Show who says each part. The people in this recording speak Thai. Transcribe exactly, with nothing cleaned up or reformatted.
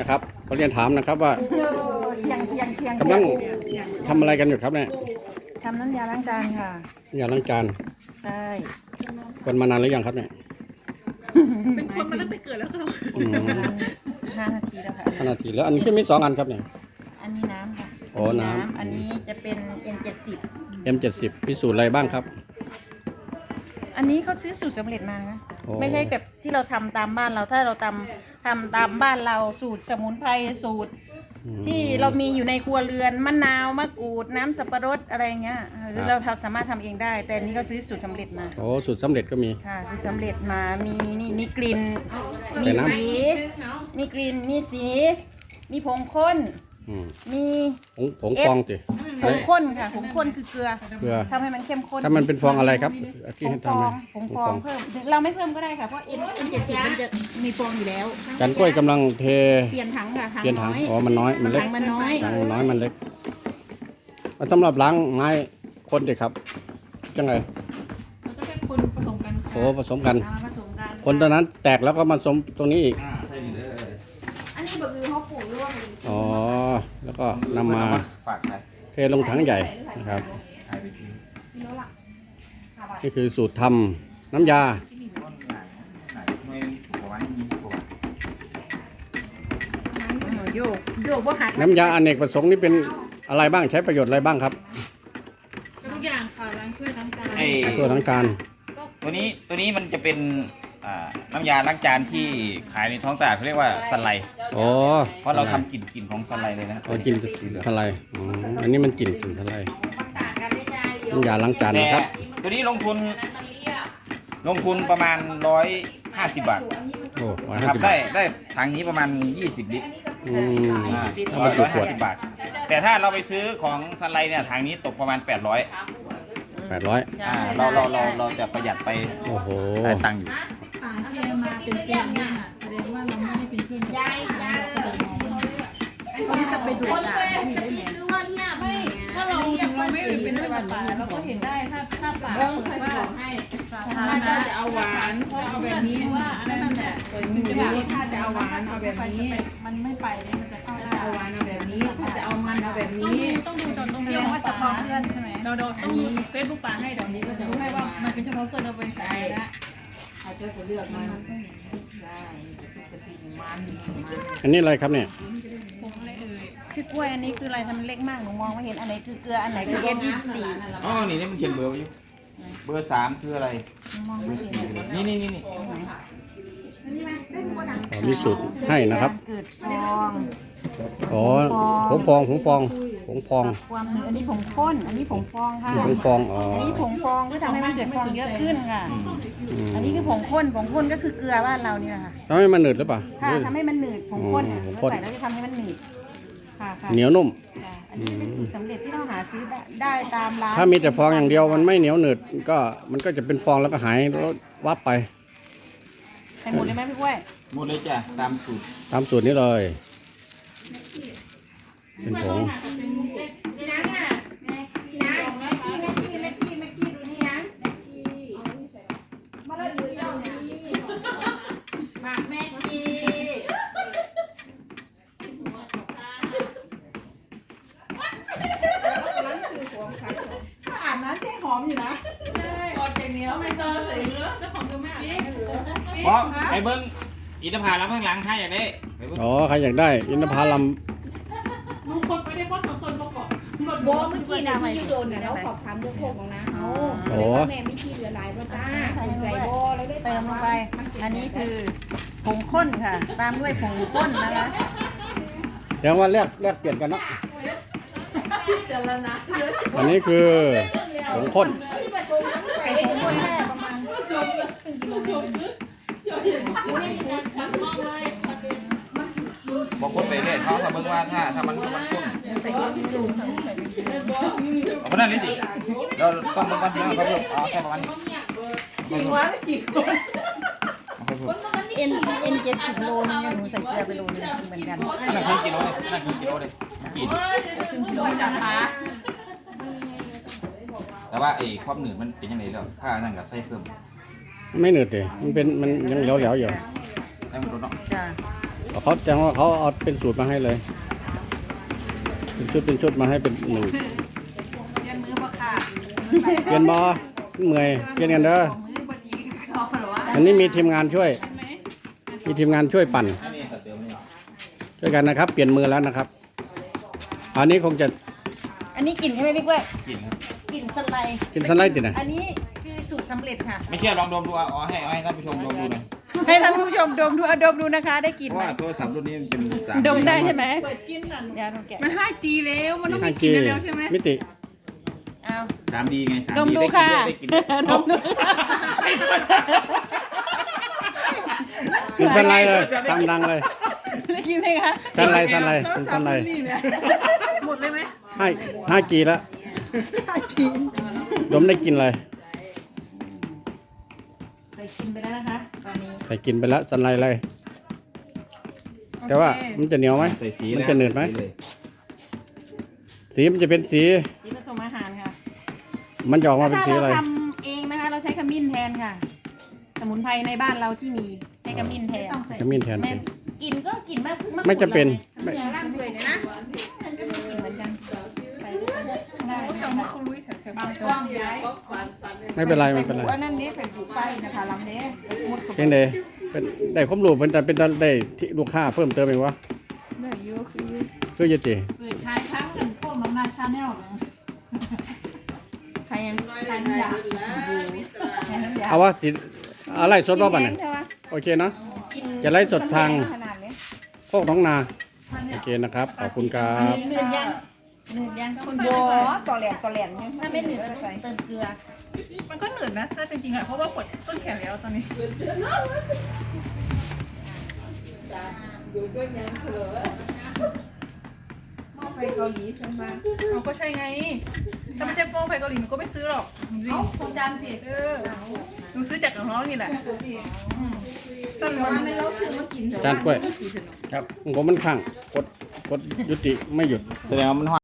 Speaker 1: นะครับเขาเรียนถามนะครับว่า
Speaker 2: เสียงเสียงเสียง
Speaker 1: กำลังทำอะไรกันอยู่ครับเนี่ย
Speaker 2: ทำน้ำยาล้างจานค่ะ
Speaker 1: อย่าล้างจาน
Speaker 2: ใช่
Speaker 1: กันมานานหรือยังครับเนี่ย
Speaker 3: เป็นคนมาตั้งแต่เกิดแล้วค่ะ
Speaker 1: อืม
Speaker 2: ห้านาทีแล้วค่ะ
Speaker 1: ห้านาทีแล้วอันนี้ก็มีสองอันครับเนี่ย
Speaker 2: อันนี้น้ำค่ะ
Speaker 1: โอ้น้ำ
Speaker 2: อันนี้จะเป็น เอ็ม เจ็ดสิบ
Speaker 1: เอ็ม เจ็ดสิบ พิสูจน์อะไรบ้างครับ
Speaker 2: อันนี้เขาซื้อสูตรสำเร็จมานะ
Speaker 1: โอ้
Speaker 2: ไม่ใช่แบบที่เราทำตามบ้านเราถ้าเราทำทำตามบ้านเราสูตรสมุนไพรสูตร
Speaker 1: อืม
Speaker 2: ที่เรามีอยู่ในครัวเรือนมะนาวมะกรูดน้ำสับปะรดอะไรเงี้ยหรือเราทำสามารถทำเองได้ แต่อันนี้เขาซื้อสูตรสำเร็จมา
Speaker 1: โอ้สูตรสำเร็จก็มี
Speaker 2: ค่ะสูตรสำเร็จมามีนี่มีกลิ่น
Speaker 1: แต่
Speaker 2: มี
Speaker 1: น้ำ
Speaker 2: สีมีกลิ่นมีสี มีผงข้น
Speaker 1: อืม
Speaker 2: มี
Speaker 1: ผงผงฟองสิ
Speaker 2: ผงข้นค่ะผงข้นคือเกลือ
Speaker 1: เพื่อ
Speaker 2: ทำให้มันเข้มข้น
Speaker 1: ถ้ามันเป็นฟองอะไรครับที่
Speaker 2: ผง
Speaker 1: ให้
Speaker 2: ฟอ
Speaker 1: ทำไหม
Speaker 2: งผงฟองเพิ่มถึงเราไม่เพิ่มก็ได้ค่ะเพราะเอ็นเอ็นเจ็ดสิบมันจะมีฟองอยู่แล้ว
Speaker 1: จันกล้วยกำลังเท
Speaker 2: เปลี่ยนถังค่ะถัง
Speaker 1: เปลี่ยนถัง
Speaker 2: น้อย
Speaker 1: อ๋อมันน้อยมันเล็ก
Speaker 2: ถังมันน้อย
Speaker 1: ถังมันน้อยมันเล็กมันสำหรับล้างไม้คนสิครับจังไง
Speaker 3: มันก็เป็นคนผสมกันค่ะ
Speaker 1: โอ้ผสมกัน
Speaker 2: เอามาผสมกัน
Speaker 1: คนตัวนั้นแตกแล้วก็มาผสมตรงนี้อีก
Speaker 2: อันนี้แบบคือเขาปลูกร่วม
Speaker 1: อ๋อ แล้วก็นำมา
Speaker 4: ฝากใคร
Speaker 1: เทลงถังใหญ่นะครับ
Speaker 4: ใครไปทิ้ง
Speaker 1: นี่คือสูตรทำน้ำยา
Speaker 4: ต้นไหนไหนไม่ถูกกว่าวันนี้ถูกกว่า
Speaker 2: โยกโยกว่าหัก
Speaker 1: น้ำยาอเนกประสงค์นี่เป็นอะไรบ้างใช้ประโยชน์อะไรบ้างครับ
Speaker 3: ก็ทุกอย่างค่ะล้างถ้วยล้างจาน
Speaker 4: ไอ้
Speaker 1: ตัวทั้งการ
Speaker 4: ตัวนี้ตัวนี้มันจะเป็นอ่าน้ำยาล้างจานที่ขายในท้องตลาดเขาเรียกว่าสไลด์
Speaker 1: อ๋อ
Speaker 4: เพราะเราทำกลิ่นกลิ่นของสไลด์เลยนะครับ
Speaker 1: เรากินทลายอ๋ออันนี้มันกลิ่นกลิ่นทลายน้ำยาล้างจาน
Speaker 4: แต่
Speaker 1: นะครับ
Speaker 4: ตัวนี้ลงทุนลงทุนประมาณร้อยห้าสิบบาท
Speaker 1: โอ้ร้อย
Speaker 4: นะ
Speaker 1: ห้า
Speaker 4: ครับ
Speaker 1: สิบ
Speaker 4: ได้
Speaker 1: บาท
Speaker 4: ได้ถังนี้ประมาณยี่สิบลิตร
Speaker 1: อืม ถ้า
Speaker 4: ร้
Speaker 1: มั
Speaker 4: อน ย
Speaker 1: จุ
Speaker 4: ร้อย
Speaker 1: ข
Speaker 4: ห้าว
Speaker 1: ด
Speaker 4: สิบบาท แต่ถ้าเราไปซื้อของสไลด์เนี่ยถังนี้ตกประมาณแปดร้อย
Speaker 1: แปดร้อย
Speaker 4: อ่าเราเราเราเราจะประหยัดไป
Speaker 1: โอ้โห
Speaker 4: ได้ตังค์อยู่
Speaker 3: ป่าเชียร์มาเป็นเพื่อนเนี่ยแสดงว่าเราไม่ได้เป็นเพื่อนกับเขาจะไปดูด่าไม่ได้ไงไม่ถ้าเราถึงเราไม่เป็นเพื่อนกับป่าเราก็เห็นได้ถ้าถ้าป่าเปิดว่าสาธารณะจะเอาหวานเพราะเอาแบบนี้ว่าอันนั้นแหละ
Speaker 5: ถ้าจะเอาหวานเอาแบบนี้
Speaker 3: มันไม่ไปเลยมันจะเข้าได้
Speaker 5: เอาหวานเอาแบบนี้ ถ้าจะเอามันเอาแบบ
Speaker 3: ต้อง
Speaker 5: นี้
Speaker 3: ดูต้องดูตอนตรงที่ว่าเฉพาะเพื่อนใช่ไหมเราเราต้องดูเฟซบุ๊กป่าให้เดี๋ยวนี้ก็จะรู้ให้ว่ามันเป็นเฉพาะเพื่อนเราเป็นสาธารณะ
Speaker 5: เขาจะเลือกมันได้จะติดมันมัน
Speaker 1: อันนี้อะไรครับเนี่ย
Speaker 3: ผมอะไรเอ่ย
Speaker 2: คือกล้วยอันนี้คืออะไรทำมันเล็กมากหนูมองไม่เห็นอันไหนคือเกลืออันไหนคือเอ็มยี่สิบสี่
Speaker 4: อ๋อ นี่นี่มันเขียนเบอร์ไว้อยู่เบอร์สามคืออะไร
Speaker 2: มองไม่เห็น
Speaker 4: นี่นี่นี่นี่
Speaker 1: อ๋อมีสูตรให้นะครับ
Speaker 2: เกิดฟอง
Speaker 1: อ๋อผงฟองผงฟองผงฟอง
Speaker 2: ความหนึงอันนี้ผงข้น อันนี้ผงฟองค่ะ
Speaker 1: ผงฟอง อ๋อ
Speaker 2: อันนี้ผงฟองที่ทำให้มันเกิดฟองเยอะขึ้นค่ะ
Speaker 1: อืม
Speaker 2: อันนี้คือผงข้น ผงข้นก็คือเกลือบ้านเราเนี่ยค่ะ
Speaker 1: ทำให้มันหนืดหรือเปล่า
Speaker 2: ค่ะทำให้มันหนืด ผงข้น
Speaker 1: อ๋อ
Speaker 2: เรา
Speaker 1: ผงข้น
Speaker 2: ใส่แล้วจะทำให้มันหนืด ค่ะค่ะ
Speaker 1: เหนียวนุ่ม
Speaker 2: ค่ะอันนี้เป็นสูตรสำเร็จที่เราหาซื้อได้ได้ตามร้าน
Speaker 1: ถ้ามีแต่ฟองอย่างเดียวมันไม่เหนียวหนืดก็มันก็จะเป็นฟองแล้วก็หายแล้ววับไป
Speaker 2: ใส่หมดเลยไหมพี่กล้วย
Speaker 4: หมดเลยจ้ะ ตามสูตร
Speaker 1: ตามสูตรนี้เลย เป็นผง
Speaker 2: หมักแม่กีอาบน้ำใช้หอมอยู่นะ
Speaker 5: กอดอย่างเหนียวไม่ต้องใส่เนื้อ
Speaker 3: เจ้าของเยอะมาก
Speaker 4: เพราะไอ้เบิ้งอินทผลัมข้างหลังถ้าอยากได้ไปเบิ้ง
Speaker 1: อ๋อ ใครอยากได้ อินทผลัม
Speaker 3: ลุงคนไปได้เพราะสองคนประกอบหมด
Speaker 6: โบเมื่อกี้นะที่โดนเนี่ยเราสอบถามเรื่องโคกของนะเขา
Speaker 1: โอ้
Speaker 6: แม่มีที่เหลือหลายป่ะจ้าสนใจโบแล้วได้
Speaker 2: เติมลงไป อันนี้คือผงข้นค่ะ ตามด้วยผงข้นนะคะ
Speaker 1: เดี๋ยวว่าแลกแลกเปลี่ยนกันเนาะ
Speaker 5: เจรณะเยอะ
Speaker 1: อันนี้คือผงข้น
Speaker 2: ใส่ผงข้นแค่ประมาณ
Speaker 5: จมเลยจมเลยจมเลย
Speaker 3: มองเลย
Speaker 4: บอกคนไปเรื่อยเขาถ้าเบิ้งว่าถ้าถ้ามันมันข้น
Speaker 2: ใส่ข้นจุ่ม
Speaker 4: เอาคนนั้นเลยสิเราต้องเบิ้งก่อนเดี๋ยวเขาเพิ่มเอาแค่ประมาณนี้
Speaker 2: จริงวะกี่คน
Speaker 4: เอาไปเพิ่ม
Speaker 2: เอ็นเอ็นเจ็ดสิบโลนึงเนี่ยหนูใส่เกลือไปโลนึงเหมือนกัน
Speaker 4: นั่นคือกิโลเลยนั่นคือกิโลเลยกิน
Speaker 2: ครึ่งกิโลนะคะ
Speaker 4: แต่ว่าไอ้ความหนืดมันเป็นยังไงแล้วถ้านั่นก็ใส่เพิ่ม
Speaker 1: ไม่หนืดเลยมันเป็นมันยังเหลวๆอยู่
Speaker 4: ให้มันลดเนาะ
Speaker 2: จ้ะ
Speaker 1: เขาแจ้งว่าเขาเอาเป็นสูตรมาให้เลย เป็นชุดเป็นชุดมาให้เป็นหนึ่ง
Speaker 2: เรียนมือบ่ค่ะ
Speaker 1: เปลี่ยนบอเมื่อยเปลี่ยนกันเด้อ
Speaker 2: มือบดีเขาหรอวะ
Speaker 1: อันนี้มีทีมงานช่วย มีทีมงานช่วยปั่น
Speaker 4: อันนี้เติมนี่
Speaker 1: ช่วยกันนะครับ เปลี่ยนมือแล้วนะครับ อันนี้คงจะ
Speaker 2: อันนี้กลิ่นใช่ไหมพี่กล้วย
Speaker 4: กินครับ
Speaker 2: กลิ่นสไลด์
Speaker 1: กินสไลด์ตินะ
Speaker 2: อันนี้คือสูตรสำเร็จค่ะ
Speaker 4: ไม่เชื่อลองดมดูเอาเอาให้เอาให้ท่านผู้ชมลองดูหน่อย
Speaker 2: ให้ท่านผู้ชมดมดูเอาดมดูนะคะ ได้กลิ่น
Speaker 4: เพราะ
Speaker 2: ไหม
Speaker 4: ว่าโทรศัพท์รุ่นนี้มันเป็นสาม
Speaker 2: ดมได้ใช่ไหมเปิดกินนั่นยาดมแกะ
Speaker 3: มัน ห้าจี แล้วมันต้อง
Speaker 1: ห้า
Speaker 3: มีก
Speaker 1: จี
Speaker 3: ลิ่นแล้วใช่ไหม
Speaker 1: มิติ
Speaker 2: เอา
Speaker 4: สามดีไงสาม
Speaker 2: ดม
Speaker 4: ดี
Speaker 2: ดู
Speaker 4: ได้กิน
Speaker 2: ค่ะ
Speaker 4: ด้วยได้กินด้วย
Speaker 2: ดมดู
Speaker 1: กินสไลด์เลยตามดังเลย
Speaker 2: ได้กินไหมคะ
Speaker 1: สไลด์สไลด์กินสไลด์
Speaker 3: หมดเลยไหม
Speaker 1: ให้ห้าจีแล้วดมได้กินเลย
Speaker 2: ใส่กินไปแล้วนะคะตอนนี้
Speaker 1: ใส่กินไปแล้วสไลด์เลย แต่ว่ามันจะเหนียวไหม
Speaker 4: ใส่สี
Speaker 1: มันจะหนืดไหม
Speaker 4: ใส่สีเลย
Speaker 1: สีมันจะเป็นสี
Speaker 2: สีผสมอาหารค่ะ
Speaker 1: มันจะออกมาเป็น
Speaker 2: ถ้า
Speaker 1: สี
Speaker 2: เรา
Speaker 1: อะไร
Speaker 2: ทำเองนะคะ เราใช้ขมิ้นแทนค่ะ สมุนไพรในบ้านเราที่มีใช้ขมิ้นแทน
Speaker 1: ขมิ้นแทน
Speaker 2: แม่
Speaker 1: เป็น
Speaker 2: กลินก็กลินมากมาก
Speaker 1: ไม่จะเป็นไม่
Speaker 6: อย่าล่างด้วยนะ
Speaker 2: มันก็มีกลิ่นเหมือนกันใส่ได้
Speaker 3: จังมาคุยแถวๆบ้าน
Speaker 5: กล้องยายก็ฝันฝัน
Speaker 1: ไม่เป็นไรไม่เป็นไร
Speaker 6: ว่านั่นนี้เป็นผูกไฟนะคะลำนี้หมด
Speaker 1: เพียงใดเป็นได้ความรู้เป็นแต่เป็นแต่ได้ที่ลูกค้าเพิ่มเติมเองวะ
Speaker 6: เนื้อยูคือ
Speaker 1: คือจะจี
Speaker 2: เปิดท้ายครั้งกันพวกน้ำหน้าชาแนลเลย
Speaker 6: ใครยัง
Speaker 5: น้อยได้ได้บุญแล้วมิตร
Speaker 2: แค่นั้นเดียว
Speaker 1: เอาวะสิอะไรสดว่าบัน
Speaker 6: แห้
Speaker 1: เนี่ย
Speaker 6: งเท่าไหร่
Speaker 1: โอเคเนาะ
Speaker 2: กิน
Speaker 1: จะไล่สดทาง
Speaker 6: ขนาดนี้
Speaker 1: โคกท้องนา โอเคนะครับ ขอบคุณครับ
Speaker 2: หนึ่งย่างหนึ่งย่างคน
Speaker 6: โบ
Speaker 2: เดียว
Speaker 6: ต่อแหลมต่อแหลมเนี่ย
Speaker 2: ถ้าไม่หนึ่ง
Speaker 6: ก็
Speaker 2: ก็
Speaker 6: ใส่
Speaker 2: เติมเกลือ
Speaker 3: มันก็เหนื่อยนะถ้าจริงๆอ่ะเพราะว่าปวดต้นแขนแล้วตอนนี้
Speaker 5: ดูก็ยังเถอะ
Speaker 6: หม้อไฟเกาหลีขึ้นมา
Speaker 3: เอาก็ใช่ไง ถ้าไม่ใช่โป้งไฟเกาหลีหนูก็ไม่ซื้อหรอกจริง
Speaker 6: คงจำสิ
Speaker 3: ๆเออหนูซื้อจากกับน้องนี่แหละ
Speaker 6: สั่งมาไม่เราซื้อมากินเถอะ
Speaker 1: จานกล้วย ครับผมมันข้างกดกดยุติไม่หยุด
Speaker 4: แสดงว่ามัน